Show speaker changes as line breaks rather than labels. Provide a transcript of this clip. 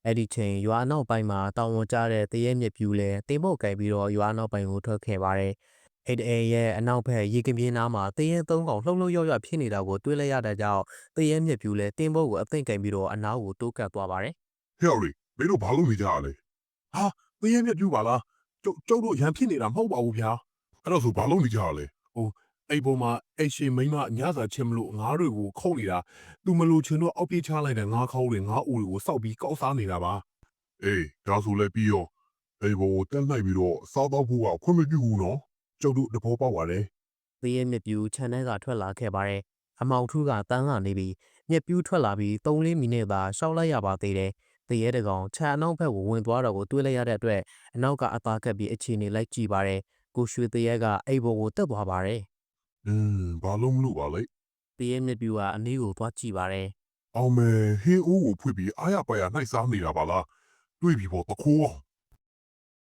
အဲ့ဒီချိန်ရွာနောက်ပိုင်းမှာတောင်ဝန်ကျတဲ့တရဲမြက်ပြူလဲတင်ပုတ်ကင်ပြီးတော့ရွာနောက်ပိုင်းကိုထွက်ခဲ့ပါတယ်။အဲ့ဒီရဲ့အနောက်ဘက်ရေကပြင်းနားမှာတရဲသုံးကောင်လှုပ်လှုပ်ရွဖြစ်နေတာကိုတွေးလိုက်ရတဲ့ကြောင့်တရဲမြက်ပြူလဲတင်ပုတ်ကိုအသိမ့်ကင်ပြီးတော့အနားကိုတိုးကပ်သွားပါတယ်
ဟဲ့လေမင်းတို့ဘာလို့နေကြရလဲဟာသင်းရဲမြက်ပြူပါလားကျုပ်တို့ရန်ဖြစ်နေတာမဟုတ်ပါဘူးဗျာအဲ့တော့ဆိုဘာလို့နေကြရလဲဟိုအဲ့ပေါ်မှာအဲ့ရှင်မိမညစာချင်းမလို့ငါးတွေကိုခုတ်နေတာသူမလို့ချင်တော့အောက်ပြေးချလိုက်တဲ့ငါးခေါင်းတွေငါးအိုတွေကိုစောက်ပြီးကောက်စားနေတာပါအေးဒါဆိုလည်းပြီးရောအဲ့ဘောတက်လိုက်ပြီးတော့စားတော့ဖို့ကခွင့်မပြုဘူးနော်ကျုပ်တို့တဘောပေါက်ပါတယ်
။တရဲမြက်ပြူခြံထဲကထွက်လာခဲ့ပါတယ်။အမောင်ထူးကတန်းလာနေပြီးမြက်ပြူထွက်လာပြီး3-4မိနစ်သာရှောက်လိုက်ရပါသေးတယ်။တရဲတကောင်ခြံအနောက်ဘက်ကိုဝင်သွားတော့ကိုတွေးလိုက်ရတဲ့အတွက်အနောက်ကအသားကပ်ပြီးအခြေအနေလိုက်ကြည့်ပါတယ်။ကိုရွှေတရဲကအိမ်ပေါ်ကိုတက်သွားပါတယ်
ဘာလို့မလို့ပါလဲ
။တရဲမြက်ပြူကအနည်းကိုသွားကြည့်ပါတယ်
အောင်မယ်ဟင်းအိုးကိုဖွင့်ပြီးအားရပါရနှိုက်စားနေတာပါလားတွေးပြီးပေါ့တခိုး